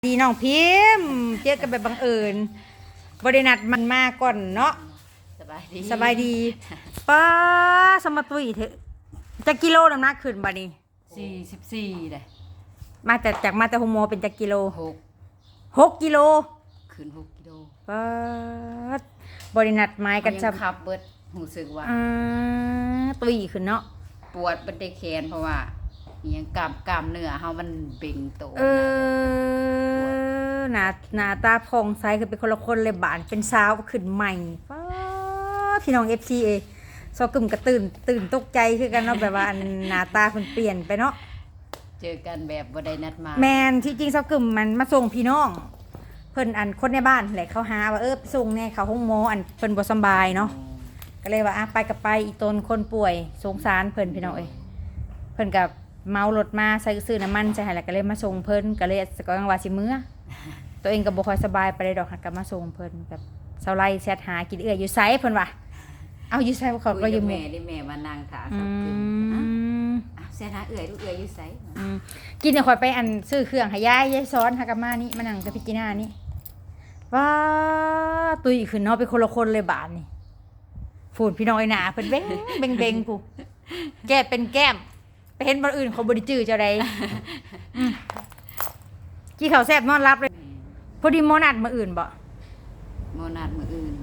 ดีน้องพิมพ์เจอกันแบบบังเอิญบรินัดมันมาก่อนเนาะสบายดีป้าสมตุยเถอะจะกิโลน้ำหนักขึ้นบ่นี้ 44เลยมาแต่จากมาแต่โฮโมเป็นจากกิโล6 กิโลขึ้น6 กิโลป้าบรินัดไม้กันจะขับเบิดรู้สึกว่าตุยขึ้นเนาะปวดบันไดแขนเพราะว่ายังกล้ามเนื้อเฮามันเบ่งโตหน้าตาผ่องใสคือเป็นคนละคนเลยบานเป็นสาวขึ้นใหม่ป้าพี่น้อง FC เอซอกึ่มก็ตื่นตกใจคือกันเนาะแบบว่าหน้าตาเพิ่นเปลี่ยนไปเนาะเจอกันแบบบ่ได้นัดมาแมนที่จริงซอกึ่มมันมาส่งพี่น้องเพิ่นคนในบ้านแหละเขาหาว่าไปส่งแน่เขาห้องหมอเพิ่นบ่สบายเนาะก็เลยว่าไปกับไปอีตนคนป่วยสงสารเพิ่นพี่น้องเพิ่นกับเมารถมาใส่ซื้อน้ำมันใช่แล้วก็เลยมาส่งเพิ่นก็เลยก็ยังว่าสิมื้อตัวเองก็บ่ค่อยสบายไปได้ดอกก็มาส่งเพิ่นกับเซาไล่แชทหากินอยู่ไสเพิ่นว่าเอาอยู่ไสเขาก็อยู่แม่นี่แม่มานั่งถาซอกกึมแชทหาลูกอยู่ไสกินค่อยไปซื้อเครื่องให้ยายซ้อนหากะมานี่มานั่งกับพี่จีน่านี่ว้าตุยขึ้นเนาะเป็นคนละคนเลยบาดนี่ฝุ่นพี่น้องหน้าเพิ่นเบ้งกูแก้เป็นแก้มไปเห็นบ่อื่นเขาบ่ได้จื้อเจ้าใดกี่ข้าวแซ่บนอนรับเลยพอดีหมอนัดมื้ออื่นบ่หมอนัดมื้ออื่น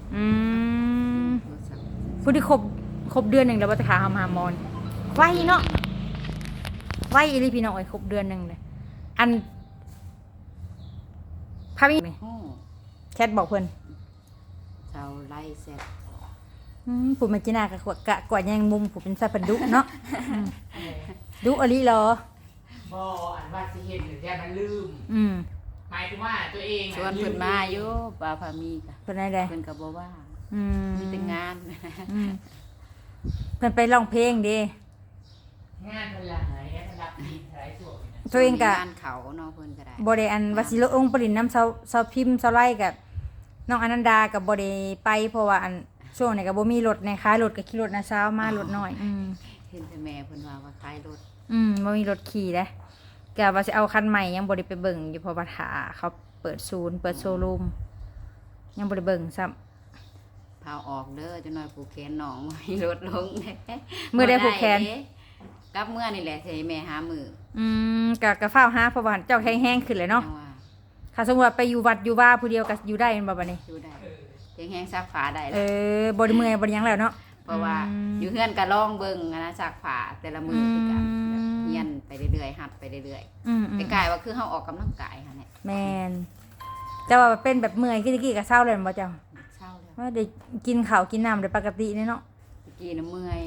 พอดีครบเดือนนึงแล้วบ่จะขาหาหมอนไวเนาะไวอีหลีพี่น้องครบเดือนนึงเลยพามีแชทบอกเพิ่นเจ้าไล่แซ่บผู้มาจิน่าก็กว่ายังมุมผู้เป็นสัตว์ดุเนาะดุอลีเหรอบ่ว่าสิเฮ็ดหรือแค่มันลืมหมายถึงว่าตัวเองชวนเพิ่นมาอยู่ป้าพามีก็เพิ่นได้เพิ่นก็บ่ว่ามีแต่งานเพิ่นไปร้องเพลงเด้งานเพิ่นหลายงานระดับดีหลายส่วนตัวเองก็งานเขาเนาะเพิ่นก็ได้บ่ได้ว่าสิลงองค์ปรินน้ำเซาพิมพ์เซาไล่กับน้องอนันดาก็บ่ได้ไปเพราะว่าช่วงนี้ก็บ่มีรถในขายรถก็ขี่รถนะเช้ามารถน้อยเห็นแต่แม่เพิ่นว่าขายรถบ่มีรถขี่เด้ก็ว่าสิเอาคันใหม่ยังบ่ได้ไปเบิ่งอยู่เพราะว่าถ้าเขาเปิดศูนย์เปิดโชว์รูมยังบ่ได้เบิ่งซ้ำพาออกเด้อจังหน่อยผูกแขนน้องมีรถลงมื้อได้ผูกแขนกับเมื่อนี่แหละสิแม่หามื้อก็ฟ้าวหาเพราะว่าเจ้าแห้งๆขึ้นเลยเนาะถ้าสมมุติว่าไปอยู่วัดอยู่ว่าผู้เดียวก็อยู่ได้แม่นบ่บัดนี้อยู่ได้แห้งซักผ้าได้บ่ได้เมื่อยบ่ได้หยังแล้วเนาะเพราะว่าอยู่เฮือนก็ลองเบิ่งนะซักผ้าแต่ละมื้อคือกันเฮียนไปเรื่อยๆหัดไปเรื่อยๆใกล้ๆว่าคือเฮาออกกำลังกายค่ะเนี่ยแม่นแต่ว่าเป็นแบบเมื่อยคือตะกี้ก็เช้าแล้วบ่เจ้าเช้าแล้วว่าได้กินข้าวกินน้ำได้ปกติเนาะตะกี้น่ะเมื่อย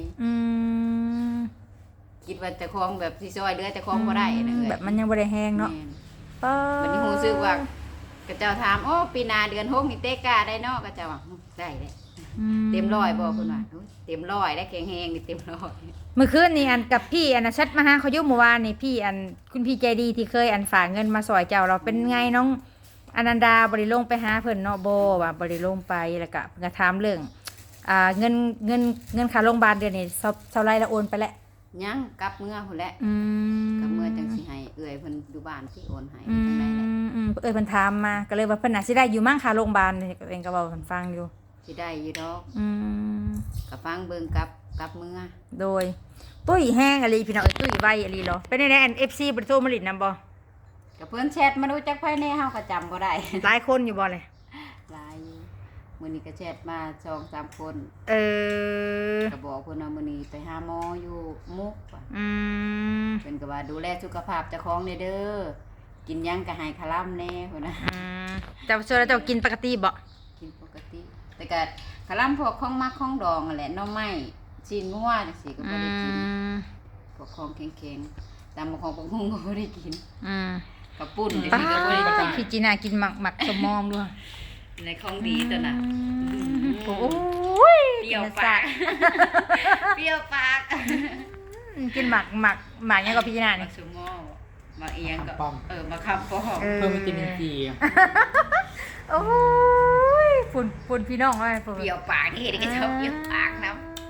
คิดว่าจะคล้องแบบสิซอยเดือจะคล้องบ่ได้นะแบบมันยังบ่ได้แห้งเนาะวันนี้ฮู้สึกว่าก็เจ้าถามโอ้ปีหน้าเดือน6นี่เตะกาได้เนาะก็เจ้าว่าได้เด้เต็ม100บ่เพิ่นว่าเต็ม100ได้แข็งแรงนี่เต็ม100 เมื่อคืนนี่กับพี่แชทมาหาเขาอยู่เมื่อวานนี่พี่คุณพี่ใจดีที่เคยฝากเงินมาซอยเจ้าเราเป็นไงน้องอนันดาบ่ได้ลงไปหาเพิ่นเนาะบ่ว่าบ่ได้ลงไปแล้วก็เพิ่นก็ถามเรื่องเงินค่าโรงพยาบาลเดือนนี้เท่าไรแล้วโอนไปแล้วยังกลับเมื่อพุ่นแหละกลับเมื่อจังสิให้เอื้อยเพิ่นอยู่บ้านที่โอนให้จังได๋แหละเพิ่นถามมาก็เลยว่าเพิ่นน่ะสิได้อยู่มั่งค่าโรงพยาบาลนี่เองก็เว้าเพิ่นฟังอยู่สิได้อยู่ดอกก็ฟังเบิ่งกลับเมื่อโดยตุ้ยแห้งอะไรพี่น้องตุ้ยไวอะไรเหรอเป็นได้FC บ่ได้โทรมาลิ้นนำบ่ก็เพิ่นแชทมาดูจักไผแน่เฮาก็จำบ่ได้หลายคนอยู่บ่เลยหลายมื้อนี้ก็แชทมา 2-3 คนก็บอกเพิ่นว่ามื้อนี้ไปหาหมออยู่มุกว่ะเพิ่นก็ว่าดูแลสุขภาพเจ้าของเด้อกินหยังก็ให้คาร่ำแน่พุ่นน่ะเจ้าเจ้ากินปกติบ่กินปกติแต่ก็คาร่ำพวกของมักของดองนั่นแหละหน่อไม้ชิ้นงัวจังซี่ก็บ่ได้กินพวกของแข็งๆตามของปงก็บ่ได้กินกับปุ้นจังซี่ก็บ่ได้กินพี่จีน่ากินหมักสมอมด้วยในของดีตัวน่ะโอ้ยเปรี้ยวปากเปรี้ยวปากกินหมักยังกับพี่จีน่านี่สมอมาเอียงก็มาคำป้อเพิ่มวิตามินซีโอ้ยฝุ่นพี่น้องเลยเปรี้ยวปากนี่เห็นก็ชอบเปรี้ยวปากนะ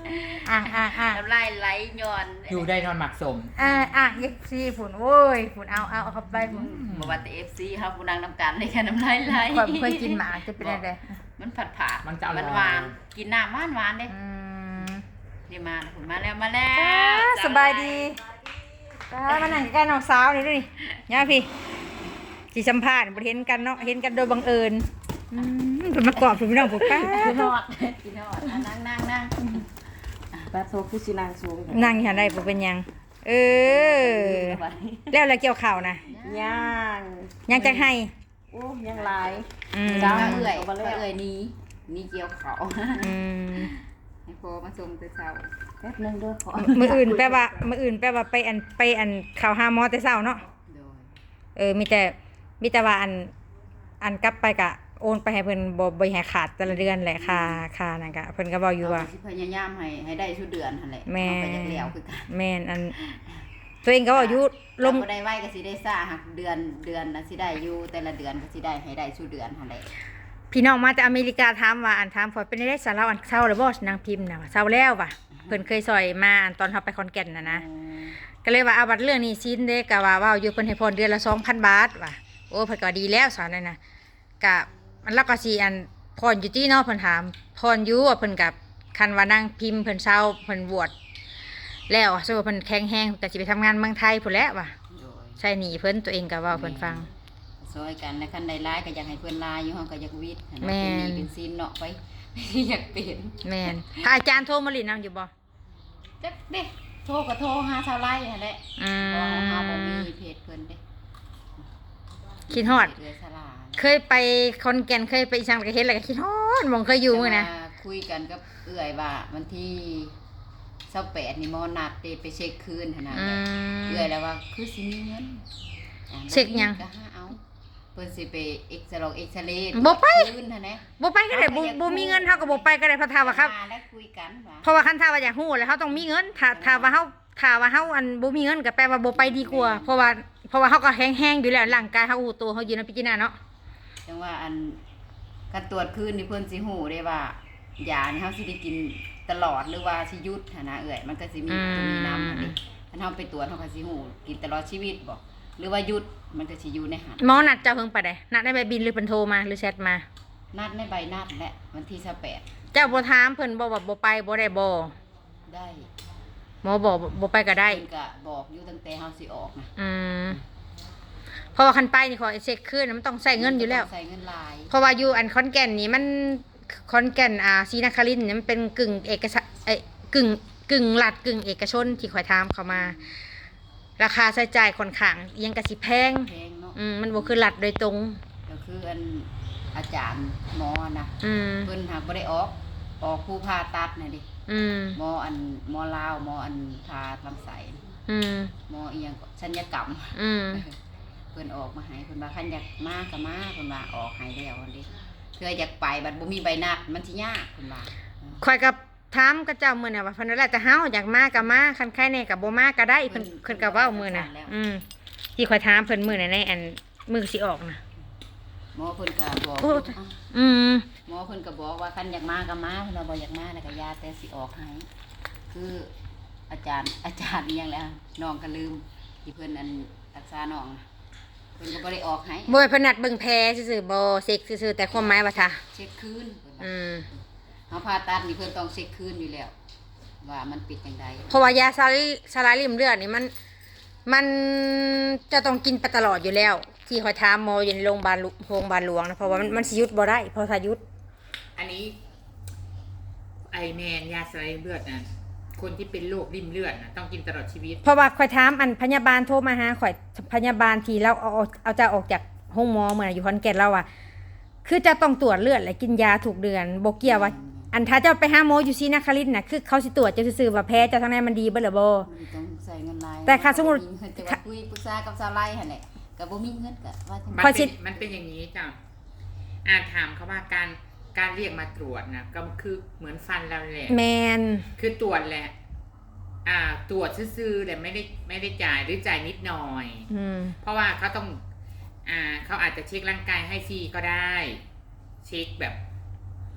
น้ำลายไหลย้อนอยู่ได้นอนหมักสมเอ็กซี่ผุนโว้ยผุนเอาเข้าไปผุนบ่ว่าแต่ FC เฮาผู้นางน้ำกันเลยค่ะน้ำลายไหลข่อยบ่เคยกินหมาจะเป็นอะไรมันผัดมันจะอร่อยหวานกินน้ำหวานๆเด้นี่มาคุณมาแล้วสบายดีมานั่งใกล้น้องสาวนี่ดูนี่ย่าพี่สิสัมภาษณ์บ่เห็นกันเนาะเห็นกันโดยบังเอิญเพิ่นมากอดเพิ่นพี่น้องผมป้ากินฮอดนั่งปลาโซคุชินางสูงนั่งอยู่ได้บ่เป็นหยังแล้วเกี่ยวข้าวนะย่างยังจะให้โอ้ยังหลายดาเอื่อยนี่เกี่ยวเขาให้พอมาส่งแต่เช้าแป๊บนึงเด้อขอมื้ออื่นแปลว่าไปอันเข้าหาหมอแต่เช้าเนาะมีแต่ว่าอันกลับไปกะโอนไปให้เพิ่นบ่ให้ขาดแต่ละเดือนแหละค่านั่นก็เพิ่นก็เว้าอยู่ว่าพยายามให้ได้ทุกเดือนหั่นแหละเอาไปจักแล้วคือกันแม่นอันตัวเองก็เว้าอยู่ลมบ่ได้ไว้ก็สิได้ซ่าหักเดือนน่ะสิได้อยู่แต่ละเดือนก็สิได้ให้ได้ทุกเดือนหั่นแหละพี่น้องมาจากอเมริกาถามว่าถามพอเป็นได้สาระอันเช้าหรือบ่นางพิมพ์น่ะเช้าแล้วว่ะเพิ่นเคยซอยมาตอนเฮาไปขอนแก่นนะก็เลยว่าเอาบัดเรื่องนี้ซินเด้ก็ว่าอยู่เพิ่นให้พรเดือนละ 2,000 บาทว่ะโอ้เพิ่นก็ดีแล้วสอนนั่นน่ะก็มันแล้วก็สิอันพรอยู่ที่เนาะเพิ่นถามพรอยู่ว่าเพิ่นกับคันว่านางพิมพ์เพิ่นเช้าเพิ่นบวชแล้วสมมุติเพิ่นแข็งแรงก็สิไปทำงานเมืองไทยพุ่นแหละว่ะใช่หนีเพิ่นตัวเองก็เว้าเพิ่นฟังซอยกันแล้วคันใดร้ายก็อยากให้เพิ่นลายอยู่ห้องก็อยากวิทย์เป็นซีนเนาะไปอยากเป็นแม่นถ้าอาจารย์โทรมาลินนำอยู่บ่จักเด้โทรก็โทรหาชาวไร่นั่นแหละบ่เฮาบ่มีเพจเพิ่นเด้คิดฮอดเคยไปขอนแก่นเคยไปอีสานก็เฮ็ดแล้วก็คิดฮอดมองเคยอยู่มื้อนะคุยกันกับเอื้อยว่าวันที่28นี่หมอนัดไปเช็คคืนหั่นน่ะเอื้อยแล้วว่าคือสิมีเงินเช็คหยังก็หาเอาเพิ่นสิไปเอ็กซเรย์บ่ไปคืนหั่นแหละบ่ไปก็ได้บ่มีเงินเฮาก็บ่ไปก็ได้เพราะถ้าว่าครับแล้วคุยกันว่าเพราะว่าคันถ้าว่าอยากฮู้แล้วเฮาต้องมีเงินถ้าว่าเฮาอันบ่มีเงินก็แปลว่าบ่ไปดีกว่าเพราะว่าเฮาก็แห้งๆอยู่แล้วร่างกายเฮาฮู้ตัวเฮาอยู่ในพิจารณาเนาะจังว่าอันการตรวจคืนนี่เพิ่นสิฮู้ได้ว่ายานี่เฮาสิได้กินตลอดหรือว่าสิหยุดหั่นน่ะเอื้อยมันก็สิมีตัวนี้นำหั่นดิถ้าเฮาไปตรวจเฮาก็สิฮู้กินตลอดชีวิตบ่หรือว่าหยุดมันก็สิอยู่ในหันหมอนัดเจ้าเพิ่งไปได้นัดได้ใบบินหรือเพิ่นโทรมาหรือแชทมานัดในใบนัดแหละวันที่28 เจ้าบ่ถามเพิ่นบ่ว่าบ่ไปบ่ได้บ่ได้หมอบอกบ่ไปก็ได้เพิ่นก็บอกอยู่ตั้งแต่เฮาสิออกนะเพราะว่าคันไปนี่ขอเช็คคืนมันต้องใช้เงินอยู่แล้วใช้เงินหลายเพราะว่าอยู่อันขอนแก่นนี่มันขอนแก่นศรีนครินทร์นี่มันเป็นกึ่งเอกชนกึ่งรัฐกึ่งเอกชนที่ข่อยถามเขามาราคาใช้จ่ายค่อนข้างยังก็สิแพงเนาะมันบ่คือรัฐโดยตรงก็คืออันอาจารย์หมอนะเพิ่นหากบ่ได้ออกผู้ผ่าตัดน่ะดิหมอลาวหมอผ่าลำไส้หมออีหยังศัลยกรรมเพิ่นออกมาให้เพิ่นว่าคันอยากมาก็มาเพิ่นว่าออกให้แล้วอันนี้เพื่ออยากไปบัดบ่มีใบนัดมันสิยากเพิ่นว่าข่อยกับถามกับเจ้ามื้อน่ะว่าเพิ่นว่าแล้วแต่เฮาอยากมาก็มาคันใครแน่ก็บ่มาก็ได้เพิ่นก็เว้ามื้อน่ะที่ข่อยถามเพิ่นมื้อน่ะในอันมื้อสิออกน่ะหมอเพิ่นก็บอกหมอเพิ่นก็บอกว่าคันอยากมาก็มาเพิ่นว่าบ่อยากมาแล้วก็ยาแต่สิออกให้คืออาจารย์อีหยังแล้วน้องก็ลืมที่เพิ่นอันรักษาน้องเพิ่นก็บ่ได้ออกให้บ่เพิ่นนัดเบิ่งแผลซื่อๆบ่เซ็กซื่อๆแต่ความหมายว่าถ้าเช็คคืนเฮาผ่าตัดนี่เพิ่นต้องเช็คคืนอยู่แล้วว่ามันปิดจังได๋เพราะว่ายาสลายริ่มเลือดนี่มันจะต้องกินไปตลอดอยู่แล้วที่ข่อยถามหมออยู่ในโรงพยาบาลหลวงนะเพราะว่ามันสิหยุดบ่ได้เพราะถ้าหยุดอันนี้ไอแมนยาสลายริ่มเลือดนะคนที่เป็นโรคริ่มเลือดนะต้องกินตลอดชีวิตเพราะว่าข่อยถามอันพยาบาลโทรมาหาข่อยพยาบาลที่เราเอาจะออกจากห้องหมอเมื่ออยู่ขอนแก่นเราอ่ะคือจะต้องตรวจเลือดและกินยาถูกเดือนบ่เกี่ยวว่าอันถ้าเจ้าไปหาหมออยู่ศรีนครินทร์น่ะคือเขาสิตรวจจะซื่อๆว่าแพ้เจ้าทางในมันดีบ่หรือบ่ต้องใส่เงินหลายแต่ค่าสมมุติคุยปรึกษากับชาวไร่หั่นแหละก็บ่มีเงินก็ว่ามันเป็นอย่างนี้จ้ะถามเขาว่าการเรียกมาตรวจนะก็คือเหมือนฟันเราแหละแม่นคือตรวจแหละตรวจซื่อๆแต่ไม่ได้จ่ายหรือจ่ายนิดหน่อยเพราะว่าเขาต้องเขาอาจจะเช็คร่างกายให้ฟรีก็ได้เช็คแบบ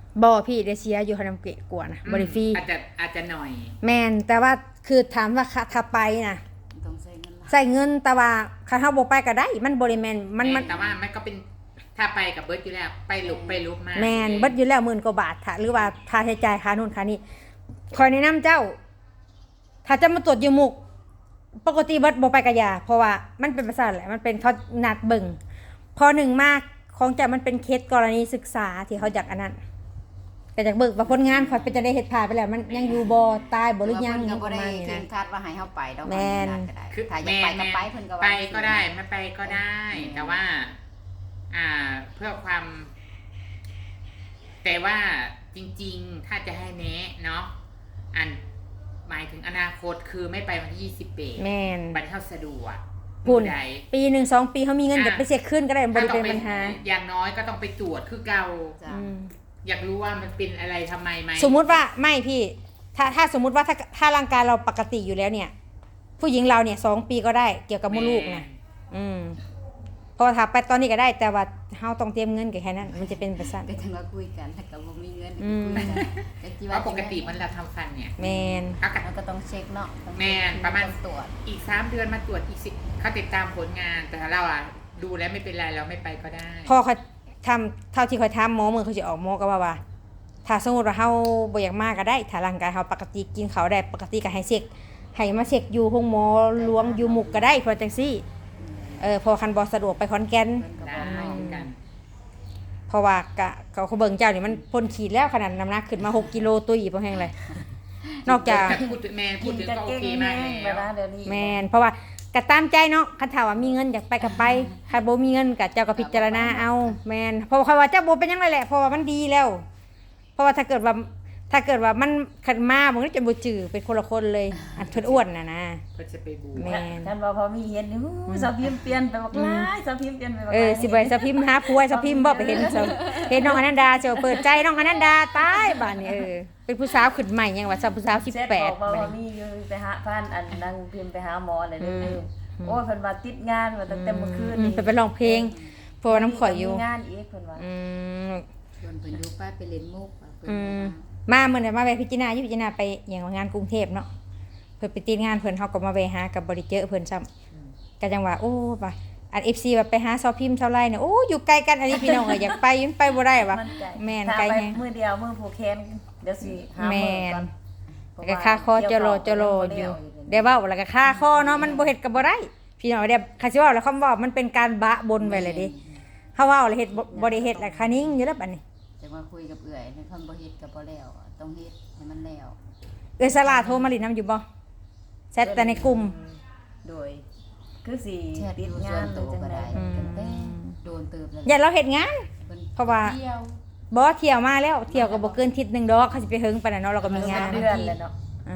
บ่พี่ได้เสียอยู่คาน้ำเกะกว่านะบ่ได้ฟรีอาจจะหน่อยแม่นแต่ว่าคือถามว่าถ้าไปนะต้องใช้เงินหลายใส่เงินแต่ว่าคันเฮาบ่ไปก็ได้มันบ่ได้แม่นมันแต่ว่ามันก็เป็นถ้าไปกับเบิร์ดอยู่แล้วไปลุกมาแม่นเบิดอยู่แล้ว10,000 กว่าบาทถ้าหรือว่าค่าใช้จ่ายค่านู่นค่านี้คอยแนะนำเจ้า ถ้าจะมาตรวจอยู่มุกปกติเบิดบ่ไปกะยาเพราะว่ามันเป็นประสาทแหละมันเป็นเขานัดเบิ่งพอหนึ่งมากของจะมันเป็นเคสกรณีศึกษาที่เขาอยากอันนั้นก็อยากเบิกว่าผลงานข่อยเป็นจะได้เฮ็ดผ่านไปแล้วมันยังอยู่บ่ตายบ่หรือยังเพิ่นก็บ่ประได้มาณนี้เข่นะงคาดว่าให้เฮาไปดอกแม่นก็ได้คือถ้าอยากไปก็ไปเพิ่นก็ว่าไปก็ได้ไม่ไปก็ได้ แต่ว่า เพื่อความ แต่ว่าจริงๆถ้าจะให้แนะเนาะหมายถึงอนาคตคือไม่ไปวันที่28 แม่นบัตรเข้าสะดวกพุ่นใดปี1 2 ปีเขามีเงินจะไปเช็คขึ้นก็ได้บ่ได้เป็นปัญหาอย่างน้อยก็ต้องไปตรวจคือเก่าจ้ะอืมอยากรู้ว่ามันเป็นอะไรทำไมไหมสมมุติว่าไม่พี่ ถ้าสมมุติว่าถ้าร่างกายเราปกติอยู่แล้วเนี่ย ผู้หญิงเราเนี่ย2 ปีก็ได้เกี่ยวกับมดลูกนะพอถ้าไปตอนนี้ก็ได้ แต่ว่าเฮาต้องเตรียมเงินกับแค่นั้น มันจะเป็นประสาทก็จังว่าคุยกันถ้าก็บ่มีเงินก็อืมคุยกันแต่ที่เพราะปกติมันเราทำฟันเนี่ยแมนเขากัมันก็ต้องเช็คเนาะต้องแม่นประมาณตรวจอีก3 เดือนมาตรวจอีกเขาติดตามผลงาน แต่เราดูแล้วไม่เป็นไรเราไม่ไปก็ได้พอเขาทำเท่าที่เขาทำหมอมือเขาจะออกหมอก็ว่าถ้าสมมติว่าเฮาบ่อยากมากก็ได้ถ้าร่างกายเฮาปกติกินเขาวได้ปกติก็ให้เช็คให้มาเช็คอยู่ห้องหมอหลวงอยู่หมุกก็ได้เพอจังซี่พอคันบ่สะดวกไปขอนแก่นเพิ่นก็ได้บอกเนาะกันเพราะว่ากะเขาเบิ่งเจ้านี่มันพ้นขีดแล้วขนาดน้ำหนักขึ้นมา6 กิโลตุ้ยบ่แห้งเลยนอกจากพูดถึงก็โอเคมากแล้แล้ววเดี๋ยวนี้แมนเพราะว่าก็ตามใจเนาะคันถามว่ามีเงินอยากไปก็ไปคันบ่มีเงินก็เจ้าก็พิจารณาเอาแมนเพราะว่าเจ้าบ่เป็นหยังเลยแหละเพราะว่ามันดีแล้ว เพราะว่าถ้าเกิดว่ามันขันมามันก็จะบ่จื้อเป็นคนละคนเลยอันเพิ่นอ้วนน่ะนะเพื่อจะไปบูแม่ท่านว่าพอมีเห็นนี่สาวพิมพ์เปลี่ยนไปบักหลายสาวพิมพ์เปลี่ยนไปบักหลายสิไปสะพิมพ์หาผัวสะพิมพ์บ่ไปเห็นน้องอนันดาเจ้าเปิดใจน้องอนันดาตายบัดนี้เป็นผู้สาวขึ้นใหม่ยังว่าสาวผู้สาวเสร็จบอกว่า 18 พอมีอยู่ไปหาพันอันนั่งพิมพ์ไปหาหมอเลยเด้อโอ้ยเพิ่นว่าติดงานว่าตั้งแต่เมื่อคืนเพิ่นไปร้องเพลงเพราะว่าน้ำข่อยอยู่มีงานอีกเพิ่นว่าชวนเพิ่นอยู่ป้าไปเล่นมุกเพิ่นมาเมื่อนั้นมาแวะพิจารณาอยู่พิจารณาไปอย่างงานกรุงเทพเนาะเพิ่นไปติดงานเพิ่นเฮาก็มาแวะหากับบริเจอเพิ่นซ้ำก็จังว่าโอ้ว่าอัน FC ว่าไปหาซอพิมพ์เท่าไรเนี่ยโอ้อยู่ไกลกันอันนี้พี่น้องอยากไปยังไปบ่ได้ว่ะมันไกลแม่นถ้าไกลไปแฮงมื้อเดียวมื้อผูกแขนเดี๋ยวสิหาแม่มื้อน ก่อนแล้วก็ค่าคอจะรออยู่ได้เว้าแล้วก็ค่าคอเนาะมันบ่เฮ็ดก็บ่ได้พี่น้องเด้คันสิเว้าแล้วคำว่ามันเป็นการบะบนไว้เลยเด้เฮาเว้าแล้วเฮ็ดบ่ได้เฮ็ดแล้วค่านิ่งอยู่แล้วบัดนี้จะมาคุยกับเอื้อยให้เพิ่นบ่เฮ็ดก็บ่แล้วต้องเฮ็ดให้มันแล้วสลาโทรมาลินน้ำอยู่บ่แชทแต่ในกลุ่มโดยคือสิติดงานหรือจังได๋กันแต่โดนเติบแล้วอย่าเราเฮ็ดงานพิ่นเพราะว่าเที่ยวบ่เที่ยวมาแล้วเที่ยวก็บ่เกินอาทิตย์หนึงดอกเขาสิไปเฮิงปานนั้นเนาะเราก็มีงานเดือนแล้วเนาะอ่ะ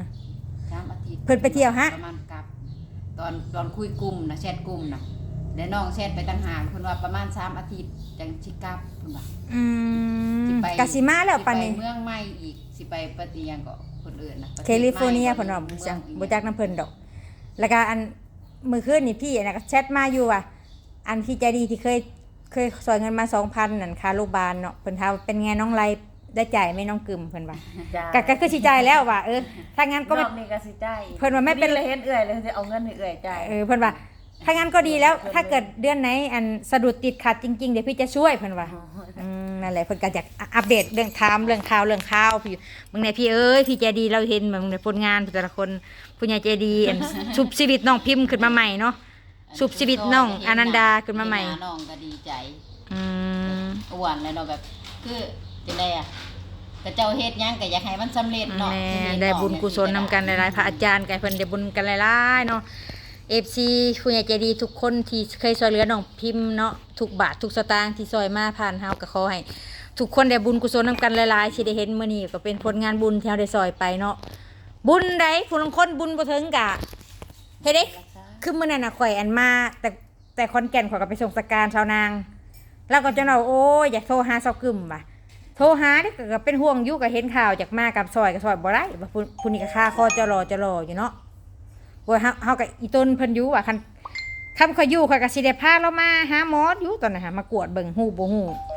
3อาทิตย์เพิ่นไปเที่ยวฮะประมาณกับตอนคุยกลุ่มนะแชทกลุ่มนะเดี๋ยวน้องแชทไปต่างหากเพิ่นว่าประมาณ3อาทิตย์จังสิกลับเพิ่นว่า สิไปกะสิมาแล้วปานนี้สิไปเมืองใหม่อีกสิไปปฏิยังก็คนอื่นนะประทศแคลิฟอร์เนียใหม่เพิ่นว่าบ่จักเมืองบ่จักน้ำเพิ่นดอก แล้วก็อันมื้อคืนนี่พี่น่ะก็แชทมาอยู่ว่าอันพี่ใจดีที่เคยสอนเงินมา 2,000 นั่นค่าโรงพยาบาลเนาะเพิ่นถามว่าเป็นไงน้องไรได้จ่ายไหมน้องกึมเพิ่นว่าจ้าก็คือสิจ่ายแล้วว่าถ้างั้นก็รไม่อบนี้ก็สิจ่ายเพิ่นว่าไม่เป็นเลยเฮ็ดเอื้อยเลยจะเอาเงินให้เอื้อยจ่ายเพิ่นว่าถ้างั้นก็ดีแล้ว ถ้าเกิดเดือนไหนอันสะดุดติดขัดจริงๆเดี๋ยวพี่จะช่วยเพิ่นว่า นั่นแหละเพิ่นก็อยากอัปเดตเรื่องเรื่องข่าวพี่มึงเนี่ยพี่พี่ใจดีเราเห็นมึงในผลงานแต่ละคนผู้ใหญ่ใจดีอันชุบชีวิตน้องพิมพ์ขึ้นมาใหม่เนาะชุบชีวิตน้องอนันดาขึ้นมาใหม่เห็นน้องก็ดีใจอืมอ้วนแล้วเนาะแบบคือจังได๋อ่ะก็เจ้าเฮ็ดหยังก็อยากให้มันสำเร็จเนาะแม่ได้บุญกุศลนำกันหลายๆพระอาจารย์กันเพิ่นได้บุญกันหลายๆเนาะ FC ผู้ใหญ่ใจดีทุกคนที่เคยช่วยเหลือน้องพิมพ์เนาะทุกบาททุกสตางค์ที่ช่วยมาผ่านเฮาก็ขอให้ทุกคนได้บุญกุศลนำกันหลายๆที่ได้เห็นมื้อนี้ก็เป็นผลงานบุญที่เฮาได้ช่วยไปเนาะบุญใดผู้ลางคนบุญบ่ถึงกะเฮ็ดเด้คือมื้อนั้นน่ะข่อยอันมาแต่ขอนแก่นข่อยก็ไปส่งสการชาวนาง แล้วก็จังว่าโอ้ยอยากโทรหาเซากึมว่ะโทรหาเด้ก็เป็นห่วงอยู่ก็เห็นข่าวจากมากับซอยบ่ได้ว่าผู้นี้ก็ค่าคอจะรออยู่เนาะว่าเฮาก็อีต้นเพิ่นอยู่ว่าคันข่อยอยู่ข่อยก็สิได้พาเรามาหาหมออยู่ตอนนั้นหามากวดเบิ่งฮู้บ่ฮู้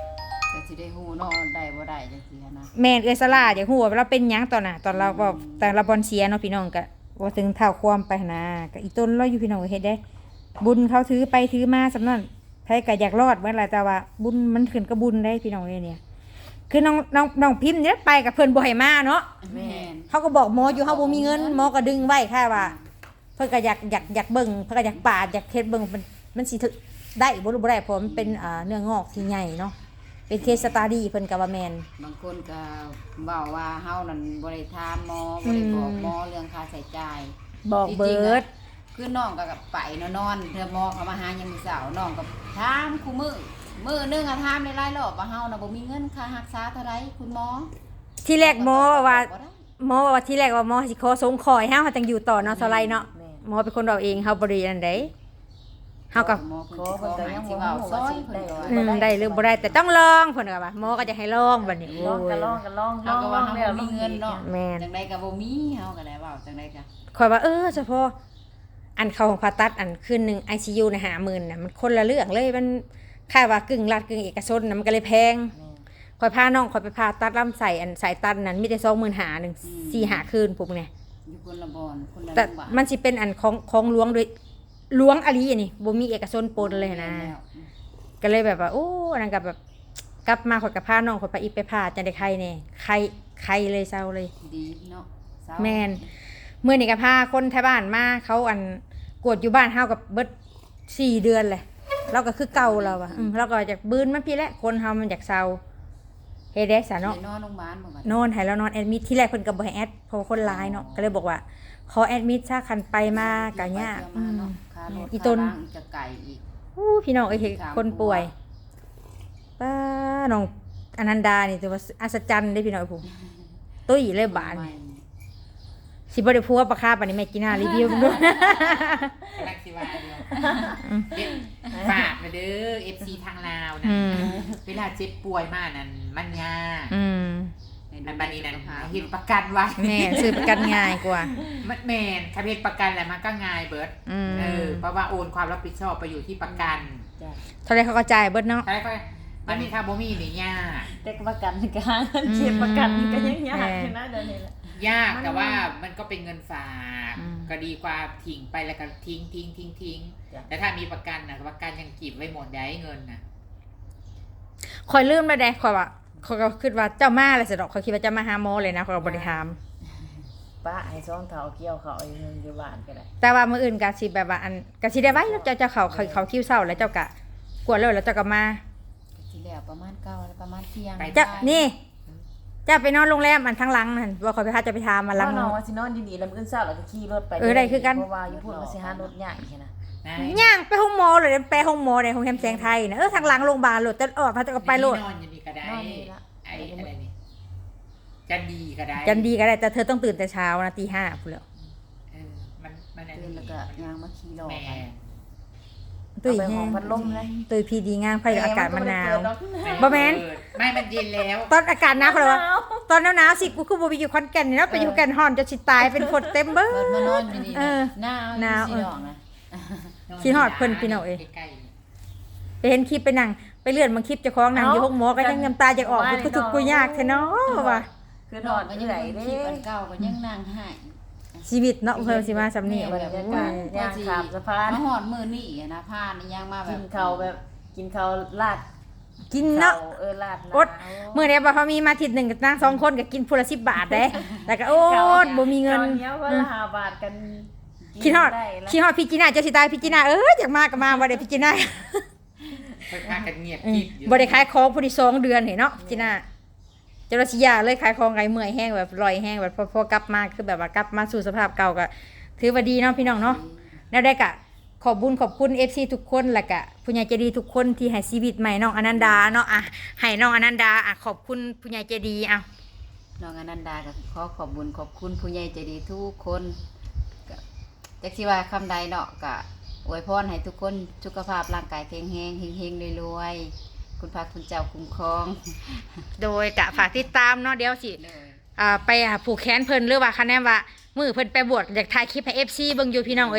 ก็สิได้ฮู้เนาะได้บ่ได้จังซี่นะแม่นเอื้อยสลาอยากฮู้ว่าเราเป็นหยังตอนน่ะตอนเราบอกแต่เราบอลเสียเนาะพี่น้องก็บ่ถึงเท่าความไปนะก็อีต้นเราอยู่พี่น้องก็เฮ็ดได้ บุญเขาถือไปถือมาสำนั้นไผก็อยากรอดเมื่อไหร่แต่ว่าบุญมันขึ้นกับบุญได้พี่น้องเอ้ยเนี่ยคือน้องพิมพ์เนี่ยไปกับเพิ่นบ่ให้มาเนาะแม่นเขาก็บอกหมออยู่เฮาบ่มีเงินหมอก็ดึงไว้แค่ว่า เพิ่นก็อยากเบิ่งเพิ่นก็อยากปาดอยากเฮ็ดเบิ่งมันสิถึกได้บ่รู้บ่ได้เพราะมันเป็นเนื้องอกที่ใหญ่เนาะเป็นเคสสตาดี้เพิ่นก็ว่าแม่นบางคนก็เว้าว่าเฮานั่นบ่ได้ถามหมอบ่ได้บอกหมอเรื่องค่าใช้จ่ายบอกเบิดคือน้องก็ไปนอนเธอหมอเขามาหายังมื้อเช้าน้องก็ถามคู่มื้อนึงอะถามหลายๆรอบว่าเฮาน่ะบ่มีเงินค่ารักษาเท่าใดคุณหมอที่แรกหมอว่าบ่ได้หมอว่าที่แรกว่าหมอสิขอสงขอให้เฮาจังอยู่ต่อเนาะเท่าไรเนาะหมอเป็นคนเอาเองเฮาบ่ได้อันใดเฮาก็หมอเพิ่นสิขอหาสิเว้าซอยเพิ่นก็ว่าได้หรือบ่ได้แต่ต้องลองเพิ่นก็ว่าหมอก็จะให้ลองบัดนี้ลองกันลองกันลองเฮาก็ว่าเฮาบ่มีเงินเนาะแม่นจังได๋ก็บ่มีเฮาก็ได้เว้าจังได๋ก็ข่อยว่าเฉพาะอันเข้าของผ่าตัดอันคืนนึง ICU น่ะ50,000น่ะมันคนละเรื่องเลยมันค่าว่ากึ่งรัฐกึ่งเอกชนน่ะมันก็เลยแพงข่อยพาน้องข่อยไปผ่าตัดลำไส้อันสายตันนั้นมีแต่25,000นึง4-5คืนพวกเนี่ยอยู่คนละบ่อนคนละแต่โรงพยาบาลมันสิเป็นอันของหลวงโดยหลวงอลีอันนี้บ่มีเอกชนปนเลยนะ ก็เลยแบบว่าโอ้นั่นก็แบบกลับมาข่อยกับพาน้องข่อยไปอีกไปผ่าจังได้ไข้แน่ไข้เลยเศร้าเลยดีเนาะเศร้าแม่นเมื่อนี่ก็พาคนไทยบ้านมาเขาอันกวดอยู่บ้านเฮากับเบิด4 เดือนเลยเราก็คือเก่าเราอะเราก็อยากบืนมันพี่แหละคนเฮามันอยากเศร้าเฮ็ดได้ซะเนาะไปนอนโรงพยาบาลบ่บัดนอนให้เรานอนแอดมิดที่แรกเพิ่นก็บ่ให้แอดเพราะว่าคนร้ายเนาะก็เลยบอกว่าขอแอดมิดซะคันไปมาก็ยากไปเที่ยวมาเนาะค่ารถอีต้นค่าร่างจะไกลอีกพี่น้องเอ้ยเห็นคนป่วยป้าน้องอนันดานี่ถือว่าอัศจรรย์ได้พี่น้องผมตุ้ยเลยบานใหม่สิบ่ได้พัวปลาคาปานนี้แม่กินหน้ารีวิวด้วยกำลังสิว่าอยู่ฝากมาเด้อ FC ทางลาวนะอืมเวลาเจ็บป่วยมากนั่นมันยากอืมอันบัดนี้นั่นเฮ็ดประกันไว้แม่ซื้อประกันง่ายกว่ามันแม่นถ้าเฮ็ดประกันแล้วมันก็ง่ายเบิดอืมเพราะว่าโอนความรับผิดชอบไปอยู่ที่ประกันจ้ะเท่าไรเขาก็จ่ายเบิดเนาะใช่ก็มันมีถ้าบ่มีนี่ยากแต่ประกันก็หาเงินเก็บประกันก็ยังยากอยู่นะเดี๋ยวนี้แหละยากแต่ว่ามันก็เป็นเงินฝากอืมก็ดีกว่าทิ้งไปแล้วก็ทิ้งแต่ถ้ามีประกันนะประกันยังกีบไว้หมดได้เงินนะคอยลืมแล้วได้คอยว่าคอยก็คิดว่าเจ้ามาอะไรสิดอกคอยคิดว่าเจ้ามาหาหมอเลยนะคอยก็บ่ได้ถามป้าให้ซ่องเท้าเกี่ยวเขาอยู่บ้านก็ได้แต่ว่ามื้ออื่นก็สิแบบว่าอันก็สิได้ไว้แล้วเจ้าเขาคิวเช้าแล้วเจ้าก็กวดแล้วเจ้าก็มาที่แล้วประมาณ9แล้วประมาณเที่ยงเจ้านี่เจ้าไปนอนโรงแรมอันทั้งหลังนั่นว่าคอยไปพาเจะไปทามมาหลังน้องว่าสินอนดีๆแล้วมื้ออื่นเช้าแล้วก็ขี่รถไปได้คือกันเพราะว่าอยู่พุ่นมันสิหารถยากแค่นั้นนะย่างไปห้องหมอเลยไปห้องหมอในห้องแฮมแสงไทยนะทางหลังโรงพยาบาลโหลดจะออกพาจะก็ไปโหลดนอนอยู่นี่ก็ได้นอนนี่ละไอ้อะไรนี่จันดีก็ได้จันดีก็ได้แต่เธอต้องตื่นแต่เช้านะตี 5พูดแล้วเออมันอันตื่นนี้แล้วก็ย่างมาขี่รอแม่ไปตุ้ยเอาไปแห้ห้อง งพัดลมเลยตุ้ยพีดีงามไฟอากาศมันหนาวบ่บ่แม่นไม่มันเย็นแล้วตอนอากาศหนาวเขาเลยว่าตอนหนาวๆสิกูคือบ่ไปอยู่ขอนแก่นนี่เนาะไปอยู่แก่นฮอนจะสิตายเป็นคนเต็มเบ้อเปิดมานอนอยู่นี่เออหนาวหนาวสิดอกนะคิดฮอดเพิ่นพี่น้องเอ้ยใกล้ไปเห็นคลิปไปนั่งไปเลื่อนบางคลิปเจ้าของนั่งอยู่ห้องหมอก็ยังน้ำตาจะออกกูทุกข์กูยากแท้เนาะว่ะคือดนออก นก็ที่ยังไหนเบิ่งเด้คลิปอันเก่าก็ยังนั่งให้ชีวิตเนาะเพิ่นสิมาสำนี่แม่บรรยากาศย่างขามสะพานมาหอดมือนี่อะนะผ้านี่ย่างมาแบกิบนข้าวแบบกินข้าวลาดกินเนาะลาดอด มื้อนี้บ่พอมีมาอาทิตย์หนึงก็นั่ง2คนก็กินพุ่นละ10 บาทเด้แล้วก็โอ๊ดบ่มีเงินเนี้ยว่าละ5 บาทกันคิดฮอดได้ละคิดฮอดพี่จีน่าจะสิตายพี่จีน่าอยากมาก็มาบ่ได้พี่จีน่าๆค่อยพากันเงียบกิบอยู่บ่ได้ขายของพุ่นที่2 เดือนนี่เนาะพี่จีน่าเจ้าราชิยาเลยขายของไงเมื่อยแห้งแบบลอยแห้งแบบพอกลับมาคือแบบว่ากลับมาสู่สภาพเก่าก็ถือว่าดีเนาะพี่น้องเนาะแล้วได้ก็ขอบบุญขอบคุณ FC ทุกคนแล้วก็ผู้ใหญ่ใจดีทุกคนที่ให้ชีวิตใหม่น้องอนันดาเนาะอ่ะให้น้องอนันดาอ่ะขอบคุณผู้ใหญ่ใจดีอ่ะน้องอนันดาก็ขอขอบบุญขอบคุณผู้ใหญ่ใจดีทุกคนก็จักสิว่าคำใดเนาะก็อวยพรให้ทุกคนสุขภาพร่างกายแข็งแรงเฮงๆรวยๆคุณพระคุณเจ้าคุ้มครองโดยกะฝากติดตามเนาะเดี๋ยวสิเลยไปผูกแขนเพิ่นหรือว่าคะแนนว่ามือเพิ่นไปบวชอยากถ่ายคลิปให้ FC เบิ่งอยู่พี่น้องเอ้ย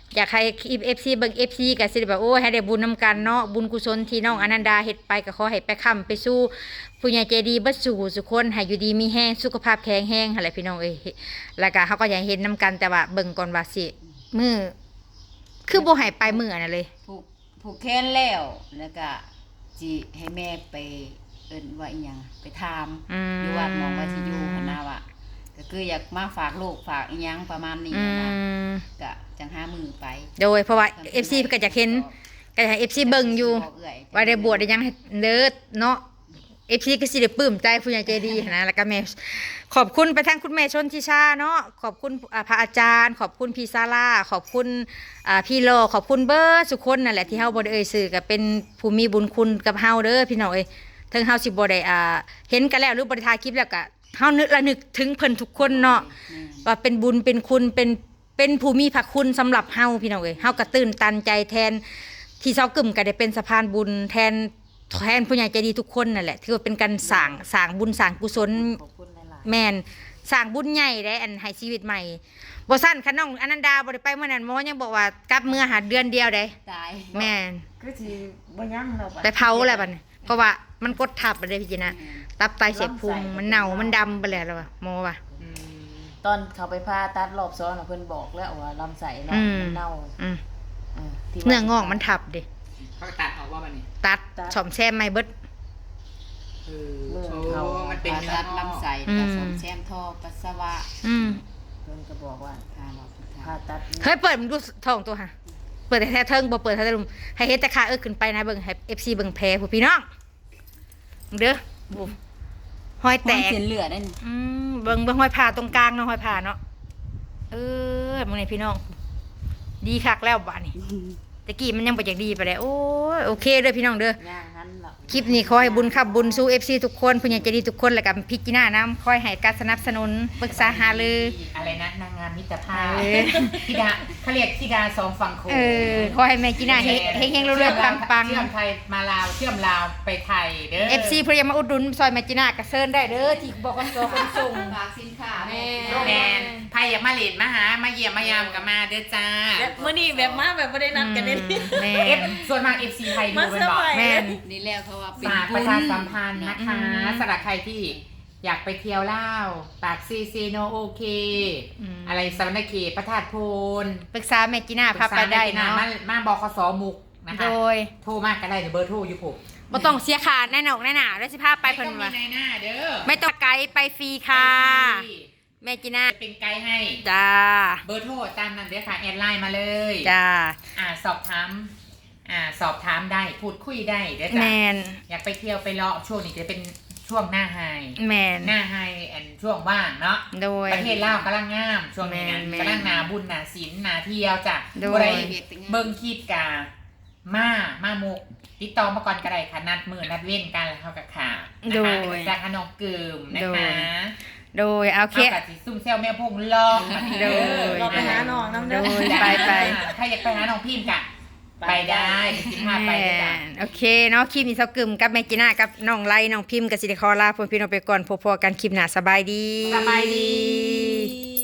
อยากให้ FC เบิ่ง FC ก็สิได้แบบโอ้ยให้ได้บุญนํกันเนาะบุญกุศลที่น้องอนันดาเฮ็ดไปก็ขอให้ไปค้ำไปสู่ผู้ใหญ่ใจดีเบิดสู่สุคนให้อยู่ดีมีแรงสุขภาพแข็งแรงหั่นแหละพี่น้องเอ้ยแล้วก็เฮาก็อยากเห็นนํกันแต่ว่าเบิ่งก่อนว่าสิมื้อคือบ่ให้ไปมื้ออันนั้นเลยผูกแขนแล้วก็จิให้แม่ไปเอิ้นว่าอีหยังไปถามอยู่วัดหมองว่าสิอยู่หั่นน่ะว่าก็คืออยากมาฝากลูกฝากอีหยังประมาณนี้นะก็จังหามือไปโดยเพราะว่า FC เพิ่นก็อยากเห็นก็อยากให้ FC เบิ่งอยู่ว่าได้บวชได้หยังให้เด้อเนาะ FC ก็สิได้ปลื้มใจผู้ใหญ่ใจดีหั้นนะแล้วก็แม่ขอบคุณไปทางคุณแม่ชนทิชาเนาะขอบคุณพระอาจารย์ ขอบคุณพี่ซาร่าขอบคุณพี่โลขอบคุณเบิร์ดทุกคนนั่นแหละที่เฮาบ่ได้เอ่ยชื่อก็เป็นผู้มีบุญคุณกับเฮาเด้อพี่น้องเอ้ยถึงเฮาสิบ่ได้เห็นกันแล้วหรือบ่ได้ถ่ายคลิปแล้วก็เฮานึกถึงเพิ่นทุกคนเนาะว่าเป็นบุญเป็นคุณเป็นผู้มีพระคุณสำหรับเฮาพี่น้องเอ้ยเฮาก็ตื่นตันใจแทนที่เซากึ่มก็ได้เป็นสะพานบุญแทนผู้ใหญ่ใจดีทุกคนนั่นแหละถือว่าเป็นการสร้างบุญสร้างกุศลขอบคุณหลายแม่นสร้างบุญใหญ่ได้อันให้ชีวิตใหม่บ่ซั่นคันน้องอนันดาบ่ได้ไปเมื่อนั้นหมอยังบอกว่ากลับเมื่อหาเดือนเดียวได้ตายแม่นๆคือสิบ่ยังเราบัดไปเผาแล้วบัดนี้เพราะว่ามันกดทับไปเลยพี่จินะตับไตเสียบพุงมันเน่ามันดำไปแล้วว่ะหมอว่ะตอนเขาไปผ่าตัดรอบ2น่ะเพิ่นบอกแล้วว่าลำไส้เนาะมันเน่าอืมที่ว่าเนื้องอกมันทับดิเขาตัดออกว่ามันนี่ตัดซ่อมแซมใหม่เบิดโอ้มันเป็นผ่าเนื้อตัดลำไส้ผสมแซมท่อปัสสาวะอืมเพิ่นก็บอกว่าผ่าหลอดสุดท้ายผ่าตัดเฮ้ยเปิดมันดูท้องตัวค่ะเปิดแต่แท้เทิงบ่เปิดแท้ลุมให้เฮ็ดแต่ขาขึ้นไปนะเบิ่งให้ FC เบิ่งแผลผู้พี่น้องเด้อบุหอยแตแตกกเส้นเลือดนั่นเบิ่งห้อยผ่าตรงกลางเนาะห้อยผ่าเนาะมึงนี่พี่น้อง ดีคักแล้วบ้านนี่ตะกี้มันยังบ่อยากดีไปแล้วโอ้ยโอเคเด้อพี่น้องเด้อย่างนั้นล่ะคลิปนี้ขอให้บุญขับบุญสู้ FC ทุกคนผู้ใหญ่ใจดีทุกคนแล้วก็พิจารณาคอยให้การสนับสนุนปรึกษาหารืออะไรนะนางงามมิตรภาพเออธิดาเขาเรียกธิดาสองฝั่งโขงขอให้แม่จีน่าเฮงๆเรื่อยๆปังเชื่อมไทยมาลาวเชื่อมลาวไปไทยเด้อๆ FC เพิ่นอยากมาอุดหนุนซอยแม่จีน่าก็เชิญได้เด้อที่บอกกันตัวคนส่งฝากสินค้าแม่แมนไทยอยากมาเล่นมาหามาเยี่ยมมายามกับมาเด้อจ้าแบบมื้อนี้แบบมาแบบบ่ได้นัดกันเด้แม่เอฟส่วนมาก FC ไทยดูมาเป็นเซอร์บอกไพรส์แม่นนี่แล้วเขาว่าเป็นฝากปบุระญชาสัมพันธ์นะคะสำหรับใครที่อยากไปเที่ยวลาวปากซีโนโอเค อะไรสวรรณเขตพระธาตุโพนปรึกษาแม่จีน่าพาไปได้เนาะมาบคสมุกนะคะโดยโทรมากก็ได้เดี๋ยวเบอร์โทรอยู่ผมบ่ต้องเสียค่าแน่นอกแน่หนาแล้วสิพาไปเพิ่นไม่ต้องว่ามีในหน้าเด้อไม่ต้องไกด์ไปฟรีค่ะ แม่จีน่าจะเป็นไกด์ให้จ้าเบอร์โทรตามนั้นเด้อค่ะแอดไลน์มาเลยจ้าสอบถามได้พูดคุยได้เด้อแมจ้ะนอยากไปเที่ยวไปเลาะช่วงนี้จะเป็นช่วงหน้าไฮแมนหน้าไฮแอนช่วงว่างเนาะโดยประเทศลาวกำลังงามช่วงนี้นะแม่นกำลังนาบุญนาศิลนาเที่ยวจ้ะโดยบ่ได้เบิ่งคิดกามามุกติดต่อมาก่อนก็ได้ค่ะนัดมือนัดเว้นกันแล้วเขากับขานะคะเป็นจากขนมกึมนะคะโดยเอาเคเอากับสีซุ่มเซลแม่พงลองโดยเราไปหาน้องน้ำโดเด้อยไปถ้าอยากไปหาน้องพิมพ์กะไปได้สิพาไปแม่เลยจ้ะนโอเคเนาะคลิปนี้เซากึมกับแม่จีน่ากับน้องไลน้องพิมพ์กับสิริคอลาพวกพี่น้องไปก่อนพบกันคลิปหน้าสบายดีสบายดีดี